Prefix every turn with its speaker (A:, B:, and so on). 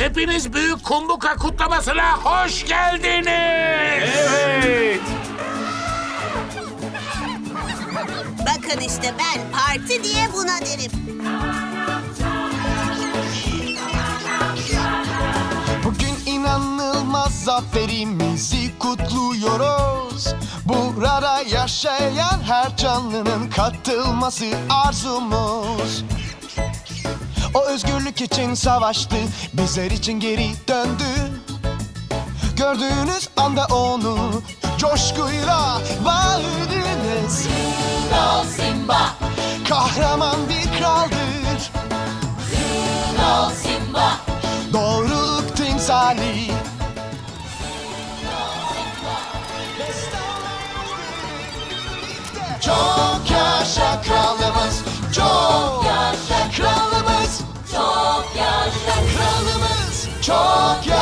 A: Hepiniz Büyük Kumbuka kutlamasına hoş geldiniz.
B: Evet.
C: Bakın işte ben parti diye buna derim.
D: Bugün inanılmaz zaferimizi kutluyoruz. Burada yaşayan her canlının katılması arzumuz. O özgürlük için savaştı, bizler için geri döndü. Gördüğünüz anda onu coşkuyla bağırdınız.
E: Kral Simba,
D: Kahraman bir kraldır,
E: Kral Simba,
D: doğruluk timsali. Çok yaşa kralımız, çok
E: yaşa
D: kralımız,
E: çok yaşa,
D: kralımız, çok yaşa.